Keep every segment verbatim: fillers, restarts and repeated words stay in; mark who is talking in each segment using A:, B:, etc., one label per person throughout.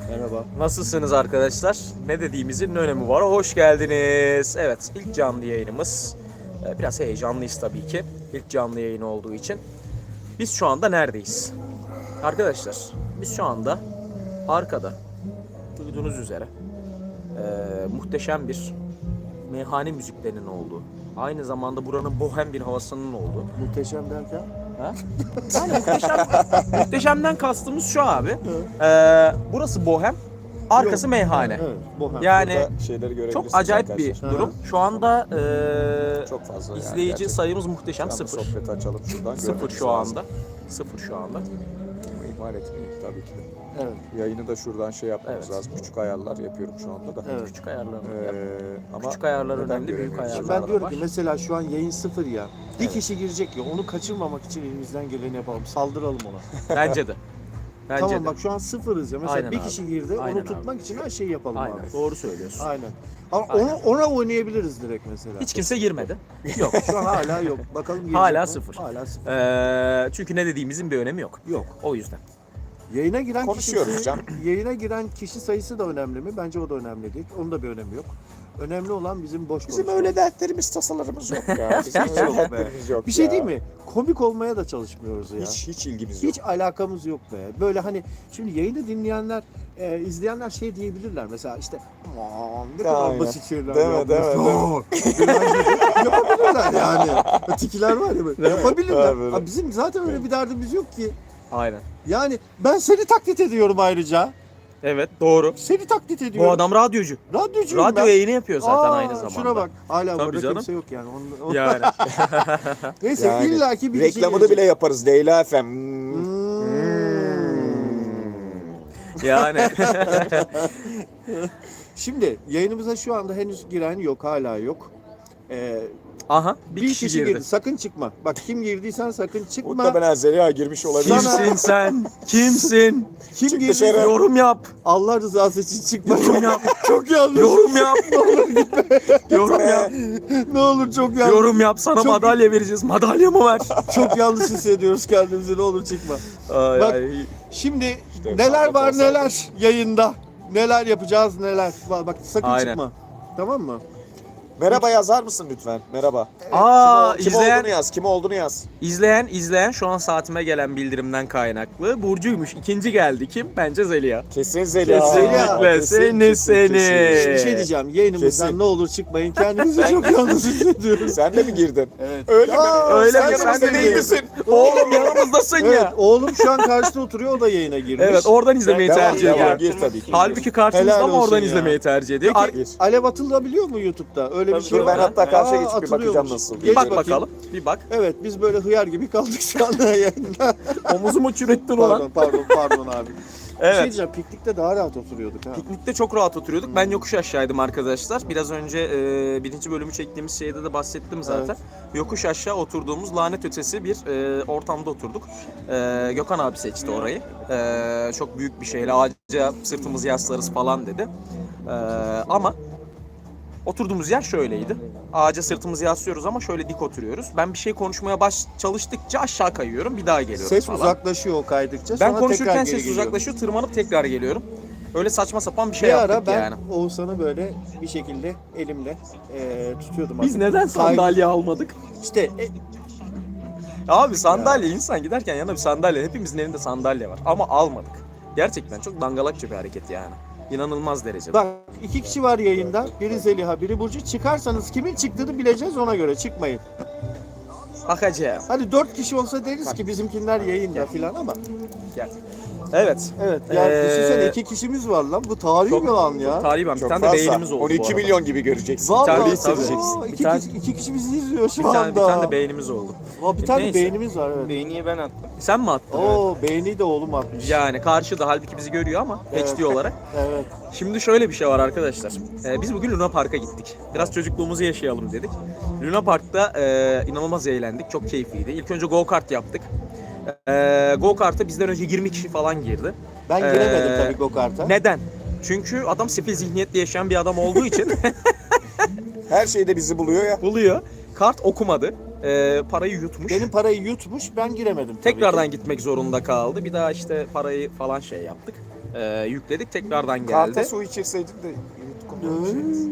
A: Merhaba.
B: Nasılsınız arkadaşlar? Ne dediğimizin ne önemi var? Hoş geldiniz. Evet, ilk canlı yayınımız. Ee, Biraz heyecanlıyız tabii ki. İlk canlı yayın olduğu için. Biz şu anda neredeyiz? Arkadaşlar, biz şu anda arkada duyduğunuz üzere e, muhteşem bir meyhane müziklerinin olduğu, aynı zamanda buranın bohem bir havasının olduğu.
A: Muhteşem derken?
B: Ha? Yani muhteşem, muhteşemden kastımız şu abi. Ee, burası bohem, arkası
A: Yok.
B: meyhane.
A: Evet, bohem.
B: Yani
C: Burada şeyleri görebilirsiniz
B: çok acayip
C: arkadaşlar.
B: bir durum. Şu anda e,
C: Çok fazla yani
B: izleyici
C: gerçekten.
B: sayımız muhteşem,
C: Şu anda
B: sıfır.
C: sohbeti açalım şuradan.
B: Sıfır
C: görmeniz
B: şu
C: lazım.
B: anda. Sıfır şu anda.
C: Ama ihmal etmeyin tabii ki de.
A: Evet.
C: Yayını da şuradan şey yapmamız
B: Evet.
C: lazım. Küçük ayarlar yapıyorum şu anda da.
A: Evet.
B: Küçük ayarlar.
C: Ee, ama
B: Küçük ayarlar
C: neden
B: önemli, büyük
C: göremiyoruz?
B: ayarlar.
A: Şimdi ben
B: var.
A: diyorum ki mesela şu an yayın sıfır ya. Bir
B: Evet.
A: kişi girecek ya, onu kaçırmamak için elimizden geleni yapalım. Saldıralım ona.
B: Bence de. Bence
A: Tamam
B: de.
A: bak şu an sıfırız ya. Mesela
B: Aynen
A: bir
B: abi.
A: kişi girdi,
B: Aynen
A: onu
B: abi.
A: tutmak için her şeyi yapalım
B: Aynen.
A: abi.
B: Doğru söylüyorsun.
A: Aynen. Ama
B: Aynen.
A: ona, ona oynayabiliriz direkt mesela.
B: Hiç kimse girmedi.
A: yok. Şu an hala yok. Bakalım girecek
B: Hala
A: mi?
B: sıfır.
A: Hala sıfır.
B: Ee, çünkü ne dediğimizin bir önemi yok.
A: Yok.
B: O yüzden.
A: Yayına giren
C: Konuşuyoruz
A: kişi,
C: Can.
A: yayına giren kişi sayısı da önemli mi? Bence o da önemli değil. Onun da bir önemi yok. Önemli olan bizim boş
C: Bizim
A: konuşmamız.
C: öyle dertlerimiz, tasalarımız yok ya. Bizim
A: Hiç
C: öyle
A: yok be.
C: dertlerimiz yok
A: Bir şey
C: ya.
A: değil mi? Komik olmaya da çalışmıyoruz ya.
C: Hiç, hiç ilgimiz yok.
A: Hiç alakamız yok be. Böyle hani şimdi yayını dinleyenler, e, izleyenler şey diyebilirler mesela işte aman ne kadar
C: Aynen.
A: basit şeyler
C: Değil mi,
A: yapıyorsun."
C: değil mi,
A: Yapabilirler yani. Tikiler var ya böyle. Yapabilirler.
C: Böyle.
A: Abi bizim zaten öyle bir derdimiz yok ki.
B: Aynen.
A: Yani ben seni taklit ediyorum ayrıca.
B: Evet, doğru.
A: Seni taklit ediyorum.
B: Bu adam radyocu.
A: Radyocuyum
B: Radyo
A: ben.
B: yayını yapıyor zaten
A: Aa,
B: aynı zamanda.
A: Şuna bak. Hala
B: Tabii
A: burada
B: canım.
A: kimse yok yani. Onu, onu-
B: Yani.
A: Neyse
C: Yani
A: illaki bir kişi
C: reklamını
A: gelecek.
C: bile yaparız. Leyla F M. Hmm.
A: Hmm.
B: Yani.
A: Şimdi yayınımıza şu anda henüz giren yok, hala yok. Ee,
B: Aha,
A: bir,
B: bir,
A: kişi,
B: kişi
A: girdi.
B: girdi.
A: Sakın çıkma. Bak kim girdiysen sakın çıkma.
C: Muhtemelen Zeliha girmiş olabilir.
A: Sana-
B: Kimsin sen? Kimsin?
A: Kim
C: Çık
A: girdi?
C: dışarı.
B: Yorum yap.
A: Allah rızası için çıkma.
B: Yorum yap.
A: Çok yanlış.
B: Yorum yap. Yorum yap.
A: ne olur çok yanlış.
B: Yorum yap. Sana
A: Çok-
B: madalya vereceğiz. Madalya mı ver?
A: Çok yanlış hissediyoruz kendimizi. Ne olur çıkma.
B: Ay,
A: Bak-
B: ay.
A: Şimdi
C: İşte
A: neler
C: Ahmet
A: var
C: olsaydı.
A: neler yayında. Neler yapacağız neler. Bak, bak sakın
B: Aynen.
A: çıkma. Tamam mı?
C: Merhaba yazar mısın lütfen? Merhaba.
B: Aa,
C: Kim
B: izleyen,
C: olduğunu yaz. Kim olduğunu yaz.
B: izleyen, izleyen şu an saatime gelen bildirimden kaynaklı. Burcu'ymuş. İkinci geldi kim? Bence Zeliha.
C: Kesin Zeliha.
B: Kesinlikle.
C: Kesin,
B: Seni,
C: kesin,
B: seni.
C: kesin.
A: Bir şey diyeceğim. Yayınımızdan
C: Kesin.
A: ne olur çıkmayın. Kendimizi çok yalnız hissediyoruz.
C: Sen de mi girdin?
A: Evet.
C: Öyle
A: Aa,
C: mi?
B: öyle
C: sen
B: mi?
C: yanımızda
B: Sen de
C: değil
B: mi?
C: misin?
B: Oğlum yanımızdasın
A: Evet,
B: ya.
A: oğlum şu an karşıda oturuyor, o da yayına girmiş.
B: Evet, oradan izlemeyi
C: Devam,
B: tercih
C: devam.
B: ediyor.
C: Gir tabii ki.
B: Halbuki karşımızda
A: Helal
B: ama oradan
A: olsun ya.
B: izlemeyi tercih ediyor. Ar-
A: Peki
C: Gir.
A: alev atılabiliyor mu YouTube'da? Öyle bir
B: Tabii,
A: şey
C: Dur
A: var
C: ben
A: mı?
C: hatta karşıya
A: Aa,
C: geçip bir bakacağım
A: atılıyormuş.
C: nasıl.
A: Geç
B: bir bak
A: bakayım.
B: bakalım. Bir bak.
A: Evet, biz böyle hıyar gibi kaldık şu anda yayında.
B: Omuzumu çürüttün
A: pardon,
B: ulan.
A: pardon, pardon abi. Bir şey
B: Evet.
A: diyeceğim, piknikte daha rahat oturuyorduk ha.
B: Piknikte çok rahat oturuyorduk. Ben yokuş aşağıydım arkadaşlar. Biraz önce e, birinci bölümü çektiğimiz şeyde de bahsettim zaten. Yokuş aşağı oturduğumuz lanet ötesi bir e, ortamda oturduk. E, Gökhan abi seçti orayı. E, çok büyük bir şeyle ağaca sırtımızı yaslarız falan dedi. E, ama oturduğumuz yer şöyleydi. Ağaca sırtımızı yaslıyoruz ama şöyle dik oturuyoruz. Ben bir şey konuşmaya baş çalıştıkça aşağı kayıyorum. Bir daha geliyorum
A: Ses
B: falan.
A: uzaklaşıyor o kaydıkça.
B: Ben
A: sonra
B: konuşurken
A: tekrar geri
B: ses
A: geliyor.
B: uzaklaşıyor, tırmanıp tekrar geliyorum. Öyle saçma sapan bir şey
A: Bir
B: yaptık
A: ara ben
B: yani.
A: Oğuzhan'ı böyle bir şekilde elimle e, tutuyordum.
B: Biz
A: artık.
B: neden
A: Kay-
B: sandalye almadık?
A: İşte e,
B: Abi sandalye, insan giderken yanına bir sandalye, hepimizin elinde sandalye var ama almadık. Gerçekten çok dangalakça bir hareket yani. İnanılmaz derecede.
A: bak iki kişi var yayında. Biri Zeliha, biri Burcu. Çıkarsanız kimin çıktığını bileceğiz, ona göre çıkmayın.
B: Bakacağım.
A: Hadi dört kişi olsa deriz ki bizimkiler yayında filan ama.
B: Gel. Evet.
A: Evet yani
B: Ee,
A: düşünsene iki kişimiz var lan. Bu tarihi
B: Çok-
A: bir an ya.
B: Tarihi ben. Bir
C: Çok
B: tane de
C: fazla.
B: beynimiz oldu
C: on
B: bu
C: iki
B: arada.
C: milyon gibi göreceksin.
A: Vallahi
B: tane-
A: tabii.
B: tabii.
A: Aa,
B: Bir
A: iki,
B: tane-
A: kişi, iki kişi bizi izliyor şu
B: Bir tane,
A: anda.
B: bir tane de beynimiz oldu.
A: Aa, bir tane
B: Neyse.
A: beynimiz var evet.
D: Beğeniyi ben attım.
B: Sen mi attın?
A: Oo beğeni de oğlum atmış.
B: Yani karşıda, halbuki bizi görüyor ama
A: Evet.
B: H D olarak.
A: Evet.
B: Şimdi şöyle bir şey var arkadaşlar. Ee, biz bugün Luna Park'a gittik. Biraz çocukluğumuzu yaşayalım dedik. Luna Park'ta e, inanılmaz eğlendik. Çok keyifliydi. İlk önce go kart yaptık. E, go kart'a bizden önce yirmi kişi falan girdi.
A: Ben giremedim
B: Ee,
A: tabii go-kart'a.
B: Neden? Çünkü adam sefil zihniyetli yaşayan bir adam olduğu için
C: Her şeyde bizi buluyor ya.
B: buluyor. Kart okumadı. E, parayı yutmuş.
A: Benim parayı yutmuş, ben giremedim tabii
B: Tekrardan
A: ki.
B: gitmek zorunda kaldı. Bir daha işte parayı falan şey yaptık. Ee, yükledik tekrardan geldi.
C: Karta su içirseydin de yutkunmamışsınız.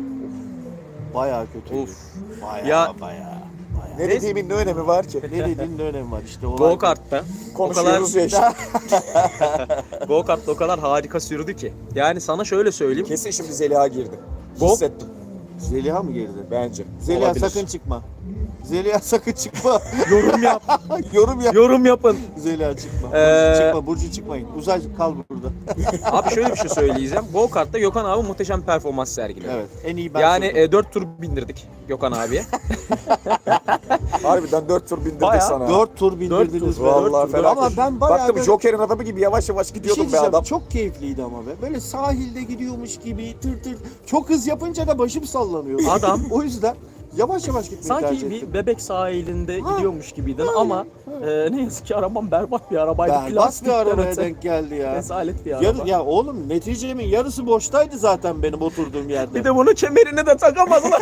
A: Bayağı kötüydü.
B: Of.
A: Bayağı
B: Ya-
A: bayağı.
C: Ne dediğimin ne önemi var ki?
A: Ne dediğin ne önemi var işte. olay
B: Go
A: bu.
B: kartta
C: Konuşuyoruz ya işte.
B: Go kartta o kadar harika sürdü ki. Yani sana şöyle söyleyeyim.
C: Kesin şimdi Zeliha girdi.
B: Go-
C: Hissettim
A: Zeliha mı girdi?
C: bence.
A: Zeliha
B: Olabilir.
A: sakın çıkma. Zeliha sakın çıkma.
B: Yorum yap.
A: Yorum yap.
B: Yorum yapın.
A: Zeliha çıkma. Burcu
B: Ee,
A: çıkma. Burcu çıkmayın. Uzay kal burada.
B: Abi şöyle bir şey söyleyeceğim. Go kartta Gökhan abi muhteşem bir performans sergiledi.
A: Evet. En iyi ben
B: Yani
A: sürdüm.
B: e, dört tur bindirdik Gökhan abiye.
C: Harbiden dört tur bindirdik
B: Bayağı.
C: sana.
A: Dört tur bindirdiniz be.
C: Vallahi
A: Dört tur.
C: fena.
A: Ama ben bayağı
C: Baktım
A: böyle-
C: Joker'in adamı gibi yavaş yavaş
A: Bir şey
C: gidiyordum be
A: diyeceğim,
C: adam.
A: çok keyifliydi ama be. Böyle sahilde gidiyormuş gibi tır tır. Çok hız yapınca da başım sallanıyor.
B: Adam-
A: O yüzden yavaş yavaş gitmeyi tercih
B: Sanki
A: ettim.
B: bir bebek sahilinde
A: Ha.
B: gidiyormuş gibiydin ama e, ne yazık ki arabam berbat bir arabaydı.
A: Berbat bir
B: Plastikten
A: arabaya
B: öte.
A: denk geldi ya.
B: Rezalet bir araba.
A: Yarı, ya oğlum neticemin yarısı boştaydı zaten benim oturduğum yerde.
B: Bir de bunu kemerini de takamadılar.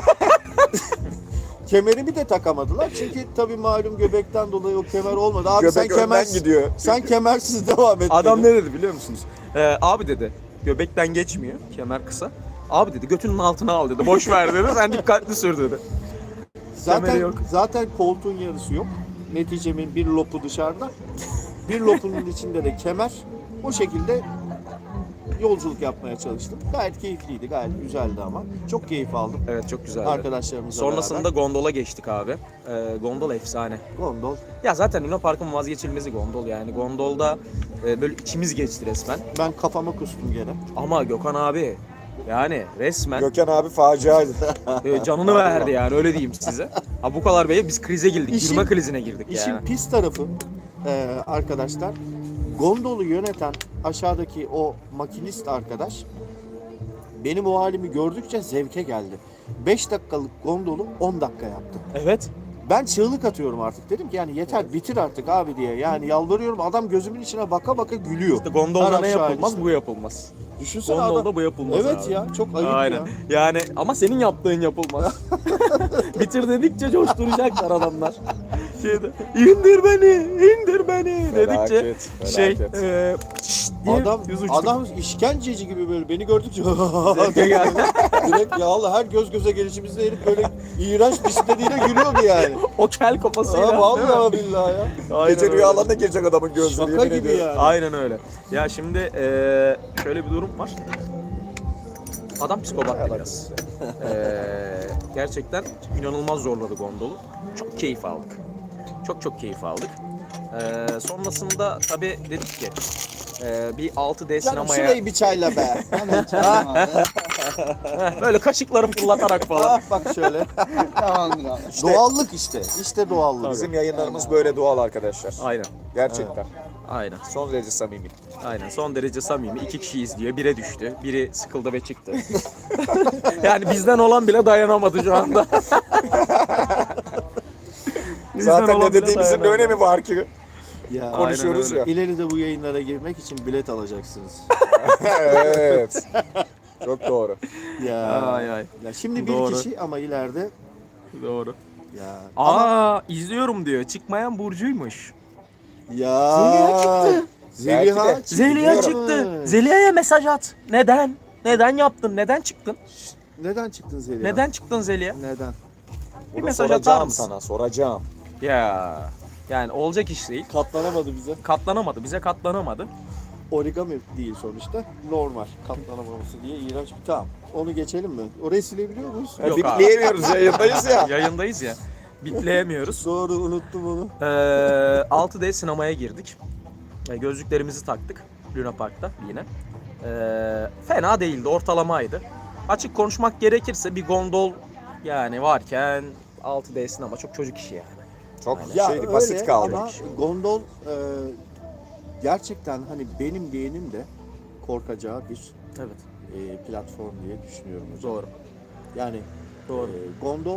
A: Kemerimi de takamadılar çünkü tabii malum göbekten dolayı o kemer olmadı. Abi
C: Göbek
A: sen
C: önden
A: kemer
C: gidiyor.
A: sen kemersiz devam et.
B: Adam
A: dedi.
B: ne dedi biliyor musunuz? Ee, abi dedi göbekten geçmiyor, kemer kısa. Abi dedi götünün altına al dedi. Boş ver dedi. Sen dikkatli sür dedi.
A: Zaten
B: kemeri yok.
A: zaten koltuğun yarısı yok. Neticemin bir lopu dışarıda. Bir lopunun içinde de kemer. O şekilde yolculuk yapmaya çalıştım. Gayet keyifliydi, gayet güzeldi ama. Çok keyif aldım
B: Evet çok güzeldi.
A: arkadaşlarımızla
B: Sonrasında
A: beraber.
B: gondola geçtik abi. Ee, gondol efsane.
A: Gondol.
B: Ya zaten Luna Park'ın vazgeçilmezi gondol yani. Gondolda e, böyle içimiz geçti resmen.
A: Ben kafama kustum gene.
B: Ama Gökhan abi yani resmen
C: Gökhan abi faciaydı.
B: e, canını verdi yani öyle diyeyim size. Ha bu kadar bey biz krize girdik.
A: İşin-
B: Girme krizine girdik
A: İşin
B: yani.
A: pis tarafı e, arkadaşlar, gondolu yöneten aşağıdaki o makinist arkadaş benim o halimi gördükçe zevke geldi. beş dakikalık gondolu on dakika yaptı.
B: Evet.
A: Ben çığlık atıyorum artık, dedim ki yani yeter bitir artık abi diye. Yani yalvarıyorum, adam gözümün içine baka baka gülüyor.
B: İşte gondolda
A: Her
B: ne
A: aşağı
B: yapılmaz
A: işte.
B: bu yapılmaz.
A: Düşünsene
B: Gondolda
A: adam.
B: bu yapılmaz
A: Evet
B: abi.
A: ya, çok ayıp
B: Aynen.
A: ya.
B: Yani ama senin yaptığın yapılmaz. Bitir dedikçe coşturacaklar adamlar. Şeyde, indir beni, indir beni dedikçe
C: Felaket,
B: şey
C: felaket.
B: e, şşt diye
A: Adam
B: yüz uçtuk.
A: adam işkenceci gibi böyle beni gördükçe
B: Zevke geldi.
A: direkt ya Allah, her göz göze gelişimizde herif böyle iğrenç bisikletiyle gülüyordu yani.
B: O kel kafasıyla.
A: Ha,
B: değil mi?
A: vallahi billahi ya.
B: Aynen
C: Gece
B: öyle.
C: rüyalarına girecek adamın gözleri.
A: Şaka
C: yemin
A: gibi
C: ediyorum.
A: yani.
B: Aynen öyle. Ya şimdi e, şöyle bir durum var. Adam psikopattı biraz. E, gerçekten inanılmaz zorladı gondolu. Çok keyif aldık. Çok çok keyif aldık. E, sonrasında tabii dedik ki e, bir altı D
A: Canım
B: sinemaya
A: şurayı bir çayla be.
B: böyle kaşıkları fırlatarak falan.
A: Ah bak şöyle.
D: Tamamdır abi.
A: Doğallık işte. İşte doğallık.
C: Bizim yayınlarımız böyle doğal arkadaşlar.
B: Aynen.
C: Gerçekten.
B: Aynen.
C: Son derece samimi.
B: Aynen. Son derece samimi. İki kişi izliyor. Bire düştü. Biri sıkıldı ve çıktı. Yani bizden olan bile dayanamadı şu anda. Bizden
C: Zaten
B: olan
C: ne
B: bile
C: dediğimizin ne
B: dayanamadı.
C: önemi var ki?
A: Ya,
C: Konuşuyoruz
B: öyle.
C: ya.
A: İleride bu yayınlara girmek için bilet alacaksınız.
C: Evet. Çok doğru.
A: Ya.
B: Ay ay.
A: Ya şimdi bir
B: Doğru.
A: kişi ama ileride
B: Doğru.
A: ya.
B: Aa izliyorum diyor. Çıkmayan Burcu'ymuş.
A: Ya.
B: Zeliha çıktı.
A: Zeliha
C: Belki de.
A: çıktı.
B: Zeliha
A: Evet.
B: çıktı. Zeliha'ya mesaj at. Neden? Neden yaptın? Neden çıktın?
A: Neden çıktın Zeliha?
B: Neden çıktın Zeliha?
A: Neden?
B: Bir
C: Bunu
B: mesaj atar
C: soracağım
B: mısın?
C: sana, soracağım.
B: Ya yani olacak iş değil.
A: Katlanamadı bize.
B: Katlanamadı. Bize katlanamadı.
A: Origami değil sonuçta. Normal. Katlanamaması diye iğrenç bir tamam. Onu geçelim mi? Orayı silebiliyor muyuz?
B: Yok
C: Ya,
B: abi.
C: bitleyemiyoruz, yayındayız ya.
B: Yayındayız ya. Bitleyemiyoruz.
A: Doğru, unuttum onu.
B: Ee, altı D sinemaya girdik. Ee, gözlüklerimizi taktık Luna Park'ta yine. Ee, fena değildi, ortalamaydı. Açık konuşmak gerekirse bir gondol yani varken altı D sinema çok çocuk işi yani.
C: Çok
A: Ya
C: şeydi,
A: öyle
C: basit kaldı.
A: ama gondol e, gerçekten hani benim yeğenim de korkacağı bir
B: Evet,
A: e, platform diye düşünüyorum hocam.
B: doğru.
A: Yani
B: Doğru.
A: e, gondol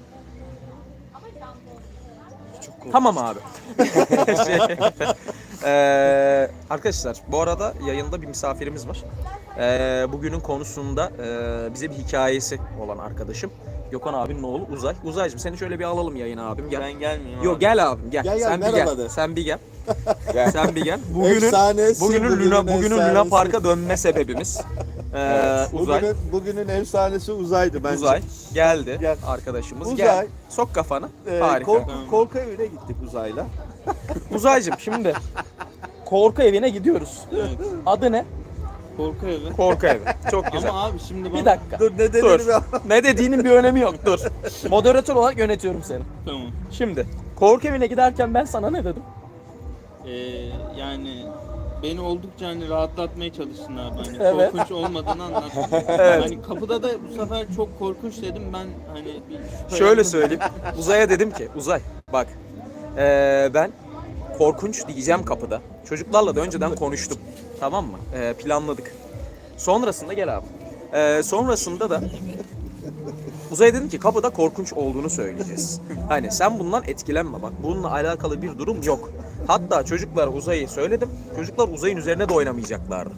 A: çok korkunç.
B: Tamam abi. Şey, ee, arkadaşlar bu arada yayında bir misafirimiz var. Ee, bugünün konusunda e, bize bir hikayesi olan arkadaşım. Gökhan abinin oğlu Uzay. Uzaycığım seni şöyle bir alalım yayına abim. Gel.
D: Ben gelmiyorum.
B: Yok
D: abi.
B: gel abim gel.
A: Gel, gel,
B: Sen bir
A: merhaba
B: gel.
A: de.
B: Sen bir gel.
C: Gel.
B: Sen bir gel. Bugünün
A: Efsanesi,
B: bugünün
A: bugünün
B: Luna bugünün Luna
A: efsanesi.
B: Park'a dönme sebebimiz. Ee, Uzay.
A: Bugünün, bugünün efsanesi Uzay'dı bence.
B: Uzay geldi
A: Gel.
B: arkadaşımız.
A: Uzay.
B: Gel. Sok kafanı.
A: Ee,
B: Harika.
A: korku, korku evine gittik Uzay'la.
B: Uzaycığım şimdi korku evine gidiyoruz.
D: Evet.
B: Adı ne?
D: Korku evi.
B: Korku evi. Çok güzel.
D: Ama abi şimdi bana...
B: Bir dakika.
A: Dur ne
B: Dur.
A: dediğini
B: Ne dediğinin bir önemi yok. Dur. Moderatör olarak yönetiyorum seni.
D: Tamam.
B: Şimdi korku evine giderken ben sana ne dedim?
D: Ee, yani beni oldukça hani rahatlatmaya çalıştın abi. Hani
B: Evet.
D: korkunç olmadığını anlattın.
B: Evet.
D: Hani kapıda da bu sefer çok korkunç dedim ben hani bir şüphelendim.
B: Şöyle söyleyeyim. Uzay'a dedim ki Uzay bak ee, ben korkunç diyeceğim kapıda. Çocuklarla da önceden konuştum. Tamam mı? Ee, planladık. Sonrasında gel abi. Ee, sonrasında da Uzay'a dedim ki kapıda korkunç olduğunu söyleyeceğiz. Hani sen bundan etkilenme bak. Bununla alakalı bir durum yok. Hatta çocuklar Uzay'ı söyledim. Çocuklar Uzay'ın üzerine de oynamayacaklardı.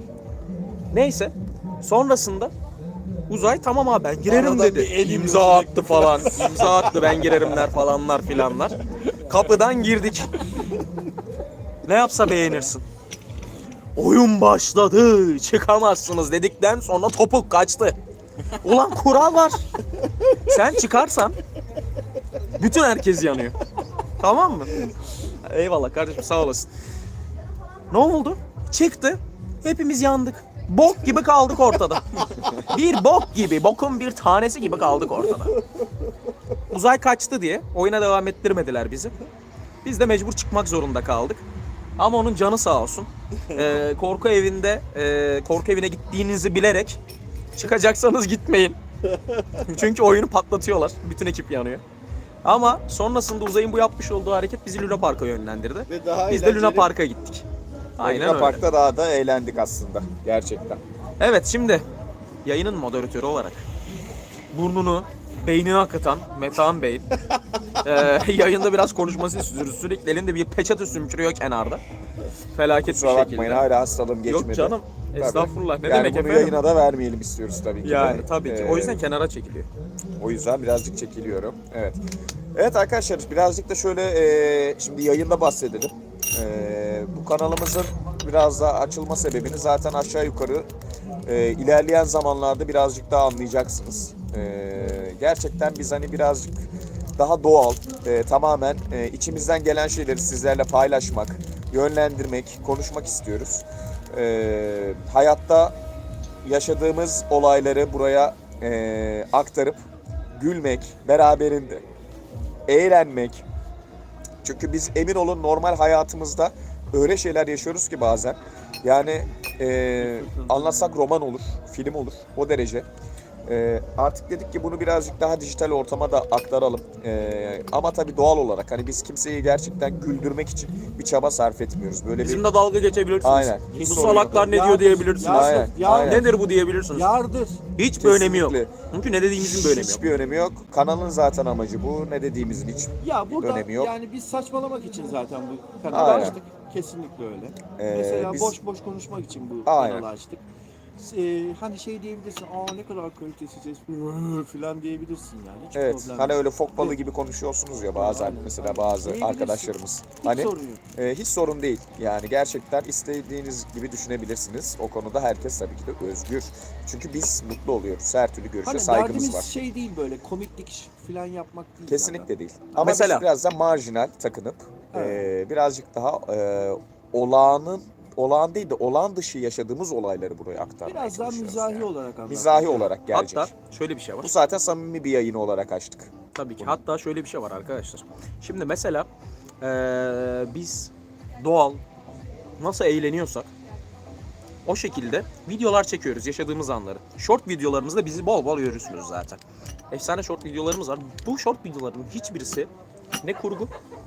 B: Neyse. Sonrasında Uzay tamam abi ben girerim
A: Aradan
B: dedi.
A: bir el
B: İmza attı falan. İmza attı ben girerimler falanlar filanlar. Kapıdan girdik. Ne yapsa beğenirsin. Oyun başladı. Çıkamazsınız dedikten sonra topuk kaçtı. Ulan kural var. Sen çıkarsan bütün herkes yanıyor. Tamam mı? Eyvallah kardeşim sağ olasın. Ne oldu? Çıktı. Hepimiz yandık. Bok gibi kaldık ortada. Bir bok gibi, bokun bir tanesi gibi kaldık ortada. Uzay kaçtı diye oyuna devam ettirmediler bizi. Biz de mecbur çıkmak zorunda kaldık. Ama onun canı sağ olsun. Ee, korku evinde, e, korku evine gittiğinizi bilerek çıkacaksanız gitmeyin. Çünkü oyunu patlatıyorlar. Bütün ekip yanıyor. Ama sonrasında Uzay'ın bu yapmış olduğu hareket bizi Luna Park'a yönlendirdi.
A: Ve daha
B: Biz de Luna
A: eğlenceli-
B: Park'a gittik. Aynen
C: Luna
B: öyle.
C: Park'ta daha da eğlendik aslında. Gerçekten.
B: Evet şimdi yayının moderatörü olarak burnunu, beynini akıtan Metehan Bey e, yayında biraz konuşmasını istiyoruz. Sürekli elinde bir peçete sümkürüyor kenarda. Felaket bir
C: Kusura bakmayın
B: şekilde.
C: hala hastalığım geçmedi.
B: Yok canım.
C: Tabii.
B: Estağfurullah. Ne
C: yani
B: demek
C: bunu
B: efendim?
C: yayına da vermeyelim istiyoruz tabii ki. de.
B: Yani tabii ki.
C: Ee,
B: O yüzden kenara çekiliyor.
C: O yüzden birazcık çekiliyorum. Evet. Evet arkadaşlar birazcık da şöyle e, şimdi yayında bahsedelim. E, bu kanalımızın biraz daha açılma sebebini zaten aşağı yukarı e, ilerleyen zamanlarda birazcık daha anlayacaksınız. E, gerçekten biz hani birazcık daha doğal, e, tamamen e, içimizden gelen şeyleri sizlerle paylaşmak, yönlendirmek, konuşmak istiyoruz. E, hayatta yaşadığımız olayları buraya e, aktarıp gülmek, beraberinde eğlenmek. Çünkü biz emin olun normal hayatımızda öyle şeyler yaşıyoruz ki bazen. Yani e, anlatsak roman olur, film olur o derece. E, artık dedik ki bunu birazcık daha dijital ortama da aktaralım. E, ama tabii doğal olarak hani biz kimseyi gerçekten güldürmek için bir çaba sarf etmiyoruz. Böyle bir
B: Bizimle dalga geçebilirsiniz.
C: Aynen. Hiç
B: Bu
C: sorun
B: salaklar
C: yok.
B: ne diyor
A: Yardır,
B: diyebilirsiniz.
A: yardır,
C: Aynen,
A: yardır.
C: aynen.
B: Nedir bu diyebilirsiniz.
A: Yardır.
B: Hiç bir önemi yok.
C: Kesinlikle.
B: Çünkü ne dediğimizin bir önemi yok.
C: hiçbir önemi yok. Kanalın zaten amacı bu. Ne dediğimizin hiç
A: Ya burada
C: önemi yok.
A: yani biz saçmalamak için zaten bu kanalı
C: Aynen.
A: açtık. Kesinlikle öyle.
C: Ee,
A: Mesela
C: biz-
A: boş boş konuşmak için bu
C: Aynen.
A: kanalı açtık. Ee, hani şey diyebilirsin, aa ne kadar kalitesiz espri falan diyebilirsin yani. Hiç
C: Evet.
A: problem
C: Hani
A: yok.
C: öyle fok balığı gibi konuşuyorsunuz ya bazen
A: Aynen.
C: mesela bazı
A: Diyebilirsin.
C: arkadaşlarımız.
A: Hiç
C: Hani
A: sorun yok.
C: e, hiç sorun değil. Yani gerçekten istediğiniz gibi düşünebilirsiniz. O konuda herkes tabii ki de özgür. Çünkü biz mutlu oluyoruz. Her türlü görüşe
A: Hani
C: saygımız
A: derdimiz
C: var.
A: şey değil böyle komiklik falan yapmak değil.
C: Kesinlikle
A: zaten.
C: değil. Ama
B: Mesela-
C: biz biraz da marjinal takınıp
A: Evet.
C: e, birazcık daha e, olağanın olağan değil de olağan dışı yaşadığımız olayları buraya aktarmaya
A: Biraz daha
C: çalışıyoruz
A: mizahi
C: yani.
A: olarak anlatmak.
C: Mizahi olarak gelecek.
B: Hatta şöyle bir şey var.
C: Bu zaten samimi bir yayını olarak açtık.
B: Tabii ki. Hatta şöyle bir şey var arkadaşlar. Şimdi mesela eee, biz doğal nasıl eğleniyorsak o şekilde videolar çekiyoruz yaşadığımız anları. Short videolarımızda bizi bol bol görürsünüz zaten. Efsane short videolarımız var. Bu short videoların hiçbirisi ne kurgu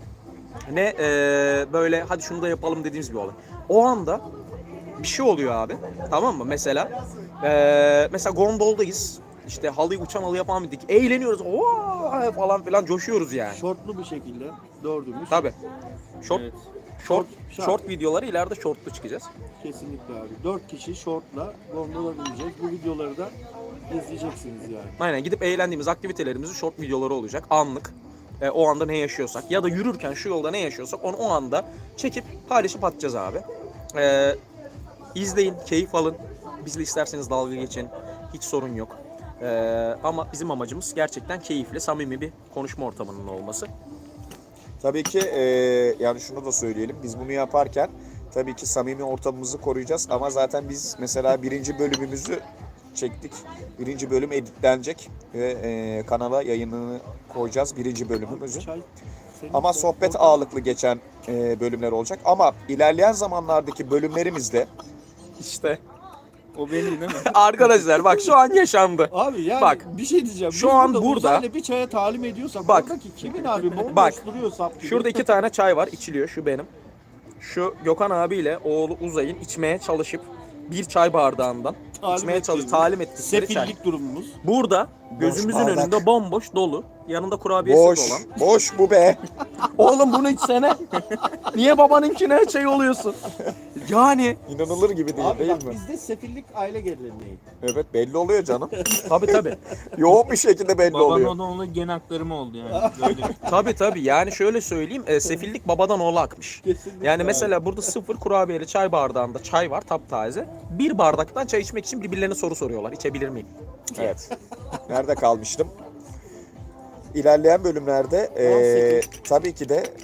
B: ne eee, böyle hadi şunu da yapalım dediğimiz bir olay. O anda bir şey oluyor abi. Tamam mı? Mesela eee, mesela gondoldayız. İşte halıyı uçan halı yapan bir eğleniyoruz. Oo falan filan coşuyoruz yani.
A: Şortlu bir şekilde dördümüz.
B: Tabii. Short
D: Evet.
B: short
A: Şart.
B: short videoları ileride shortlu çıkacağız.
A: Kesinlikle abi. Dört kişi şortla gondola bineceğiz. Bu videoları da izleyeceksiniz yani.
B: Aynen, gidip eğlendiğimiz aktivitelerimizin short videoları olacak. Anlık. E, o anda ne yaşıyorsak ya da yürürken şu yolda ne yaşıyorsak onu o anda çekip paylaşıp atacağız abi. E, izleyin, keyif alın. Bizle isterseniz dalga geçin. Hiç sorun yok. E, ama bizim amacımız gerçekten keyifli, samimi bir konuşma ortamının olması.
C: Tabii ki e, yani şunu da söyleyelim. Biz bunu yaparken tabii ki samimi ortamımızı koruyacağız. Ama zaten biz mesela birinci bölümümüzü çektik. Birinci bölüm editlenecek ve e, kanala yayınını koyacağız birinci bölümümüzü.
A: Çay. senin
C: Ama
A: de-
C: sohbet ağırlıklı geçen e, bölümler olacak. Ama ilerleyen zamanlardaki bölümlerimizde
B: İşte
D: O benim değil mi?
B: arkadaşlar bak şu an yaşandı.
A: Abi yani
B: Bak,
A: bir şey diyeceğim.
B: şu
A: Biz
B: an burada-
A: Uzayla bir çaya talim ediyorsak
B: Bak.
A: oradaki kimin abi? Bomboş
B: Bak.
A: duruyor sap gibi.
B: Şurada iki tane çay var, içiliyor. Şu benim. Şu Gökhan abiyle oğlu Uzay'ın içmeye çalışıp bir çay bardağından
A: Talim
B: içmeye çalış
A: ettiğimiz,
B: talim ettikleri çay.
A: Sefillik durumumuz.
B: Burada gözümüzün
C: bardak.
B: önünde bomboş dolu. Yanında kurabiyesi
C: boş,
B: olan.
C: boş bu be.
B: Oğlum bunu içsene. Niye babanınkine şey oluyorsun? Yani
C: İnanılır gibi değil
A: Abi
C: değil
A: bak
C: mi?
A: bizde sefillik aile geleneği.
C: Evet belli oluyor canım.
B: tabii tabii.
C: Yoğun bir şekilde belli
D: Baban
C: oluyor.
D: o da onun gen aktarımı oldu yani. Böyle.
B: Tabii tabii. Yani şöyle söyleyeyim. E, sefillik babadan oğula akmış.
A: Kesinlikle
B: Yani
A: abi.
B: mesela burada sıfır kurabiyeli çay bardağında çay var taptaze. Bir bardaktan çay içmek için birbirlerine soru soruyorlar. İçebilir miyim?
C: Evet. Nerede kalmıştım? İlerleyen bölümlerde eee, tabii ki de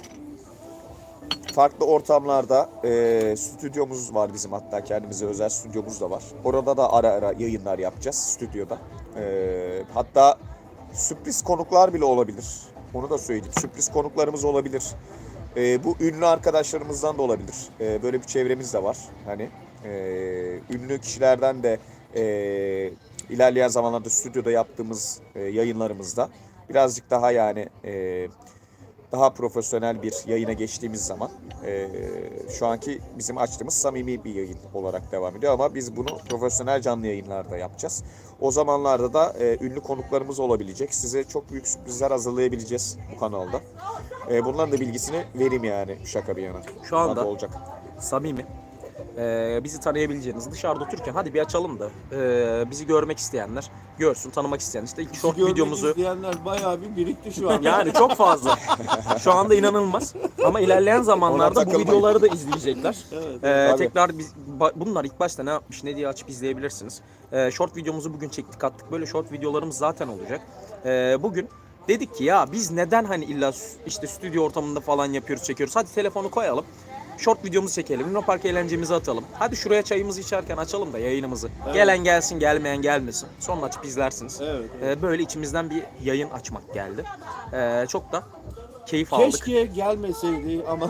C: farklı ortamlarda eee, stüdyomuz var bizim, hatta kendimize özel stüdyomuz da var. Orada da ara ara yayınlar yapacağız stüdyoda. Eee, hatta sürpriz konuklar bile olabilir. Onu da söyleyeyim. Sürpriz konuklarımız olabilir. Eee, bu ünlü arkadaşlarımızdan da olabilir. Eee, böyle bir çevremiz de var. Hani eee, ünlü kişilerden de eee, ilerleyen zamanlarda stüdyoda yaptığımız eee, yayınlarımızda birazcık daha yani eee, daha profesyonel bir yayına geçtiğimiz zaman eee, şu anki bizim açtığımız samimi bir yayın olarak devam ediyor ama biz bunu profesyonel canlı yayınlarda yapacağız. O zamanlarda da eee, ünlü konuklarımız olabilecek. Size çok büyük sürprizler hazırlayabileceğiz bu kanalda. Eee, bunların da bilgisini vereyim yani, şaka bir yana.
B: Şu
C: Bunlar
B: anda
C: da olacak.
B: samimi. Ee, bizi tanıyabileceğiniz, dışarıda otururken hadi bir açalım da ee, bizi görmek isteyenler görsün, tanımak isteyen işte ilk short
A: Görmek
B: videomuzu
A: izleyenler bayağı bir birikti şu an.
B: yani çok fazla. Şu anda inanılmaz. Ama ilerleyen zamanlarda bu
C: takılmayın.
B: videoları da izleyecekler.
A: Evet,
B: Ee,
C: Tabii.
B: tekrar biz, ba- bunlar ilk başta ne yapmış ne diye açıp izleyebilirsiniz. Ee, short videomuzu bugün çektik attık. Böyle short videolarımız zaten olacak. Ee, bugün dedik ki ya biz neden hani illa s- işte stüdyo ortamında falan yapıyoruz, çekiyoruz. Hadi telefonu koyalım. Short videomuzu çekelim. Luna Park eğlencemizi atalım. Hadi şuraya çayımızı içerken açalım da yayınımızı.
A: Evet.
B: Gelen gelsin, gelmeyen gelmesin. Sonra açıp izlersiniz.
A: Evet,
B: Ee, böyle içimizden bir yayın açmak geldi. Ee, çok da keyif aldık.
A: Keşke gelmeseydi ama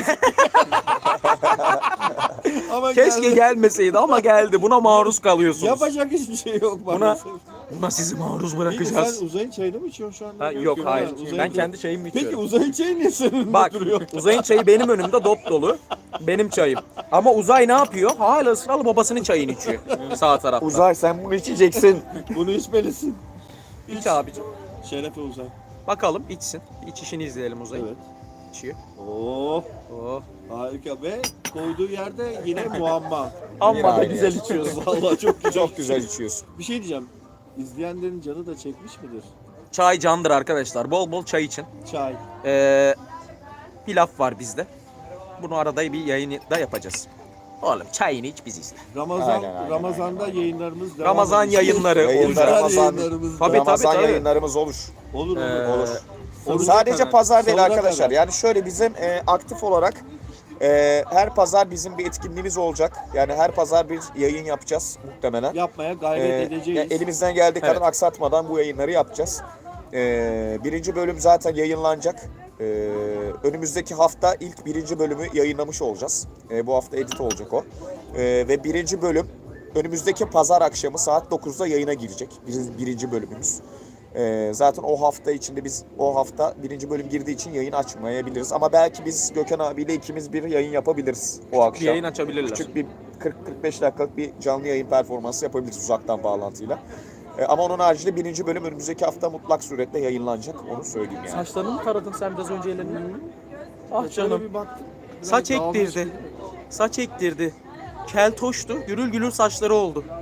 A: ama
B: Keşke
A: geldi.
B: gelmeseydi ama geldi. Buna maruz kalıyorsunuz.
A: Yapacak hiçbir şey yok
B: Buna-
A: maalesef.
B: Buna sizi maruz
A: Peki
B: bırakacağız.
A: sen Uzay'ın çayını mı içiyorsun şu anda?
B: Ha, yok
A: Ha,
B: hayır.
A: Uzay'ın
B: Ben
A: çayı-
B: kendi çayımı
A: Peki
B: içiyorum.
A: Uzay'ın çayı niye senin önünde
B: Bak
A: duruyor?
B: Uzay'ın çayı benim önümde dop dolu. Benim çayım. Ama Uzay ne yapıyor? Hala ısrarla babasının çayını içiyor. Sağ tarafta.
C: Uzay, sen bunu içeceksin.
A: Bunu içmelisin.
B: İç abicim.
A: Şerefe Uzay.
B: Bakalım içsin. İç işini izleyelim Uzay.
A: Evet.
B: İçiyor.
A: Oh,
B: Oh.
A: harika ve koyduğu yerde yine muamma.
B: Amma da
C: aile.
B: güzel içiyorsun.
A: Vallahi çok güzel.
C: Çok güzel içiyorsun.
A: Bir şey diyeceğim. İzleyenlerin canı da çekmiş midir?
B: Çay candır arkadaşlar. Bol bol çay için.
A: Çay.
B: Ee, bir laf var bizde. Bunu arada bir yayını da yapacağız. Oğlum çayını iç biz izle.
A: Ramazan
C: Aynen, aynen,
A: Ramazan'da yayınlarımız devam
B: Ramazan
A: edecek.
B: yayınları
C: Yayınlar,
B: olacak.
C: Ramazan,
A: Yayınlarımız
B: Tabii,
A: devam-
C: Ramazan
B: tabii.
C: yayınlarımız olur.
A: Olur olur.
B: Ee,
C: Olur.
A: Olur.
C: Sadece
D: kadar.
C: pazar değil
A: Sonuna
C: arkadaşlar.
A: kadar.
C: Yani şöyle bizim e, aktif olarak e, her pazar bizim bir etkinliğimiz olacak. Yani her pazar bir yayın yapacağız muhtemelen.
A: Yapmaya gayret
C: Ee,
A: edeceğiz.
C: yani elimizden geldiği kadar
B: Evet.
C: aksatmadan bu yayınları yapacağız. Ee, birinci bölüm zaten yayınlanacak. Ee, önümüzdeki hafta ilk birinci bölümü yayınlamış olacağız. Ee, bu hafta edit olacak o. Ee, ve birinci bölüm önümüzdeki pazar akşamı saat dokuzda yayına girecek. Bir, birinci bölümümüz. Ee, zaten o hafta içinde biz o hafta birinci bölüm girdiği için yayın açmayabiliriz. Ama belki biz Gökhan abiyle ikimiz bir yayın yapabiliriz o akşam.
B: Bir yayın açabilirler.
C: Küçük bir kırk kırk beş dakikalık bir canlı yayın performansı yapabiliriz uzaktan bağlantıyla. Ee, ama onun haricinde birinci bölüm önümüzdeki hafta mutlak suretle yayınlanacak. Onu söyleyeyim yani.
B: Saçlarını mı taradın sen biraz önce ellerini? Ah
A: Şöyle
B: canım.
A: bir baktık. biraz
B: Saç
A: dağılmış
B: ektirdi.
A: gibi.
B: Saç ektirdi. Keltoştu. Gürül gürül saçları oldu.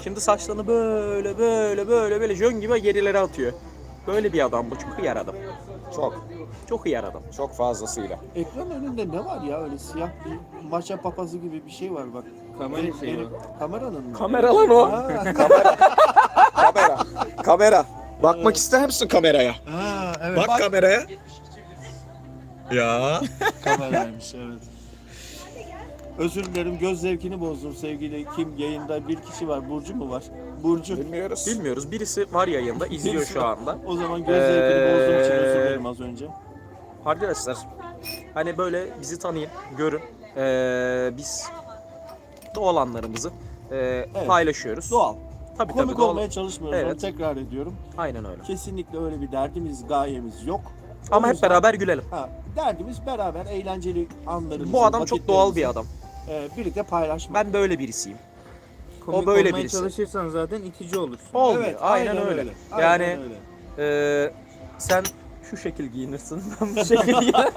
B: Şimdi saçlarını böyle böyle böyle böyle jön gibi gerilere atıyor. Böyle bir adam bu. Çok iyi adam.
C: Çok.
B: Çok iyi adam.
C: Çok fazlasıyla.
A: Ekran önünde ne var ya öyle siyah bir maşa papazı gibi bir şey var bak.
D: Kamera
A: Benim-
D: şeyi
A: benim-
D: o.
A: Kameranın mı?
B: Kamera lan o.
A: Ha,
C: Kamera. Kamera. Bakmak ister misin kameraya?
A: ha, evet.
C: Bak, kameraya. Ya.
A: Kameraymış evet. Özür dilerim göz zevkini bozdum sevgili kim yayında bir kişi var Burcu mu var? Burcu.
C: Bilmiyoruz.
B: Bilmiyoruz. Birisi var yayında, izliyor
A: Birisi
B: şu
A: var.
B: anda.
A: O zaman göz zevkini bozduğum için özür
B: Ee,
A: dilerim az önce.
B: Arkadaşlar hani böyle bizi tanıyın, görün. Ee, biz doğal anlarımızı e, paylaşıyoruz.
A: Doğal.
B: Tabii
A: Komik
B: tabii doğal.
A: olmaya çalışmıyoruz onu
B: Evet.
A: tekrar ediyorum.
B: Aynen öyle.
A: Kesinlikle öyle bir derdimiz, gayemiz yok.
B: Ama
A: O
B: hep
A: yüzden-
B: beraber gülelim.
A: Ha, derdimiz beraber eğlenceli anlarımızı,
B: Bu adam çok doğal bir
A: vakitlerimizi,
B: adam.
A: e, birlikte paylaşmak.
B: Ben böyle birisiyim.
D: Komik
B: böyle
D: olmaya
B: birisi.
D: çalışırsan zaten itici olursun.
B: Olmuyor.
A: Evet,
B: aynen, öyle.
A: Aynen
B: Yani
A: öyle.
B: e, sen şu şekil giyinirsin, ben bu şekil giyinirim.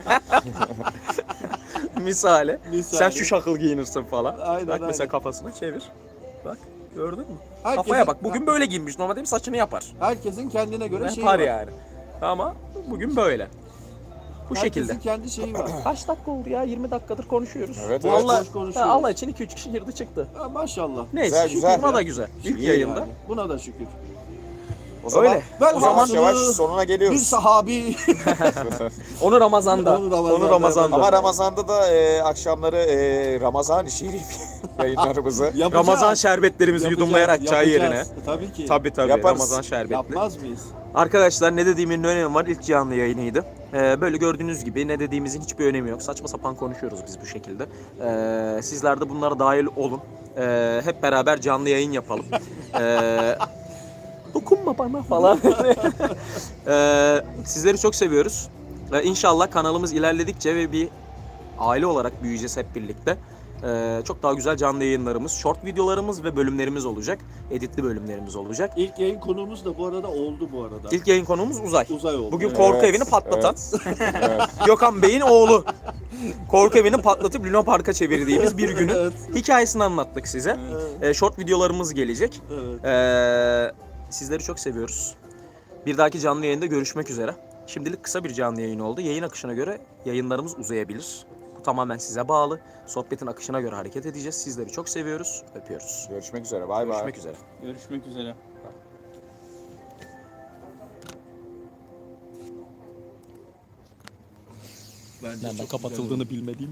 B: Misali.
A: Misali.
B: Sen şu şakıl giyinirsin falan.
A: Aynen,
B: Bak mesela
A: aynen.
B: kafasını çevir. Bak gördün mü?
A: Herkesin-
B: Kafaya bak. Bugün böyle giyinmiş. Normalde benim saçını yapar.
A: Herkesin kendine göre şeyi
B: Yapar
A: var.
B: yani. Ama bugün böyle. Bu
A: Herkesin
B: şekilde.
A: kendi şeyi var.
B: Kaç dakika oldu ya? yirmi dakikadır konuşuyoruz.
C: Evet, evet.
B: Allah,
A: Boş konuşuyoruz.
B: Allah için iki üç kişi girdi çıktı.
A: Ha, maşallah.
B: Neyse
C: Güzel,
B: şükür
C: güzel
B: buna
C: ya.
B: da güzel. İlk
C: İyi
B: yayında.
A: Yani. Buna da şükür.
C: O zaman,
B: Öyle.
A: Ben
C: o zaman
A: Hamza'lı
C: yavaş sonuna
A: Bir
C: geliyoruz.
A: sahabi.
B: Onu Ramazan'da.
A: Onu Ramazan'da
B: Onu Ramazan'da.
C: Ama Ramazan'da da e, akşamları e, Ramazan-ı Şerif yayınlarımızı
A: Yapacağız.
B: Ramazan şerbetlerimizi
A: Yapacağız,
B: yudumlayarak çay yerine.
A: yapacağız. Tabii ki.
B: Tabii tabii
C: Yaparız.
B: Ramazan şerbetli.
A: Yapmaz mıyız?
B: Arkadaşlar ne dediğimin ne önemi var? İlk canlı yayınıydı. Ee, böyle gördüğünüz gibi ne dediğimizin hiçbir önemi yok. Saçma sapan konuşuyoruz biz bu şekilde. Ee, sizler de bunlara dahil olun. Ee, hep beraber canlı yayın yapalım. Ee, dokunma bana falan. ee, sizleri çok seviyoruz. Ee, İnşallah kanalımız ilerledikçe ve bir aile olarak büyüyeceğiz hep birlikte. Ee, çok daha güzel canlı yayınlarımız, short videolarımız ve bölümlerimiz olacak. Editli bölümlerimiz olacak.
A: İlk yayın konuğumuz da bu arada oldu bu arada.
B: İlk yayın konuğumuz Uzay.
A: Uzay oldu.
B: Bugün
A: Evet.
B: korku
C: Evet,
B: evini patlatan
C: evet.
B: Gökhan Bey'in oğlu. Korku evini patlatıp Luna Park'a çevirdiğimiz bir günün
A: Evet.
B: hikayesini anlattık size.
A: Evet.
B: Ee, short videolarımız gelecek.
A: Evet.
B: Ee, sizleri çok seviyoruz. Bir dahaki canlı yayında görüşmek üzere. Şimdilik kısa bir canlı yayın oldu. Yayın akışına göre yayınlarımız uzayabilir. Bu tamamen size bağlı. Sohbetin akışına göre hareket edeceğiz. Sizleri çok seviyoruz. Öpüyoruz.
C: Görüşmek üzere. Bay bay.
B: Görüşmek üzere.
D: Görüşmek üzere.
A: Bence
B: Nereden
A: çok güzel
B: kapatıldığını bilmediğim